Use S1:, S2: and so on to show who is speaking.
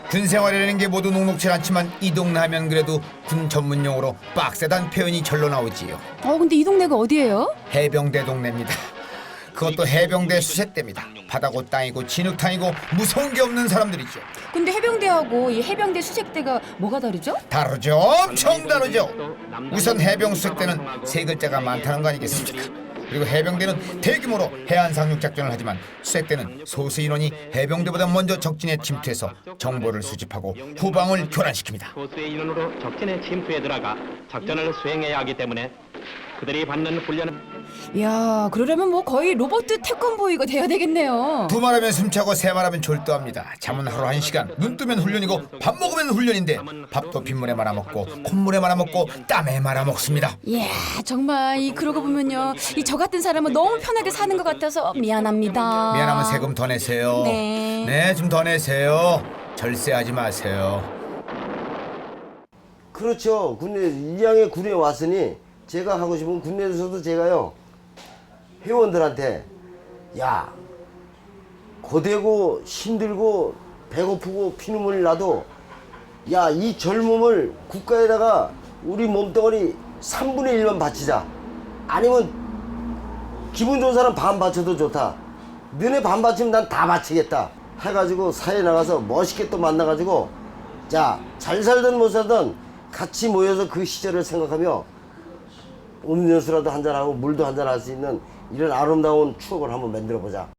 S1: 군 생활이라는 게 모두 녹록치 않지만 이 동네 하면 그래도 군 전문용어로 빡세단 표현이 절로 나오지요.
S2: 근데 이 동네가 어디예요?
S1: 해병대 동네입니다. 그것도 해병대 수색대입니다. 바다고 땅이고 진흙탕이고 무서운 게 없는 사람들이죠.
S2: 근데 해병대하고 이 해병대 수색대가 뭐가 다르죠?
S1: 다르죠. 엄청 다르죠. 우선 해병 수색대는 세 글자가 많다는 거 아니겠습니까? 그리고 해병대는 대규모로 해안 상륙 작전을 하지만 수색대는 소수 인원이 해병대보다 먼저 적진에 침투해서 정보를 수집하고 후방을 교란시킵니다.
S3: 소수의 인원으로 적진에 침투해 들어가 작전을 수행해야 하기 때문에 그들이 받는 훈련은
S2: 이야, 그러려면 뭐 거의 로봇 태권보이가 돼야 되겠네요.
S1: 두 말하면 숨차고 세 말하면 졸도합니다. 잠은 하루 1시간, 눈 뜨면 훈련이고 밥 먹으면 훈련인데 밥도 빗물에 말아먹고 콧물에 말아먹고 땀에 말아먹습니다.
S2: 이야, 정말 그러고 보면요, 저 같은 사람은 너무 편하게 사는 것 같아서 미안합니다.
S1: 미안하면 세금 더 내세요.
S2: 네.
S1: 좀 더 내세요. 절세하지 마세요.
S4: 그렇죠. 군대 이왕에 군에 왔으니 제가 하고 싶은 군대에서도 제가요 회원들한테 야 고되고 힘들고 배고프고 피눈물 나도 야 이 젊음을 국가에다가 우리 몸뚱아리 3분의 1만 바치자. 아니면 기분 좋은 사람 반 바쳐도 좋다. 너네 반 바치면 난 다 바치겠다 해가지고 사회에 나가서 멋있게 또 만나가지고 자 잘 살든 못 살든 같이 모여서 그 시절을 생각하며 음료수라도 한잔하고 물도 한잔할 수 있는 이런 아름다운 추억을 한번 만들어 보자.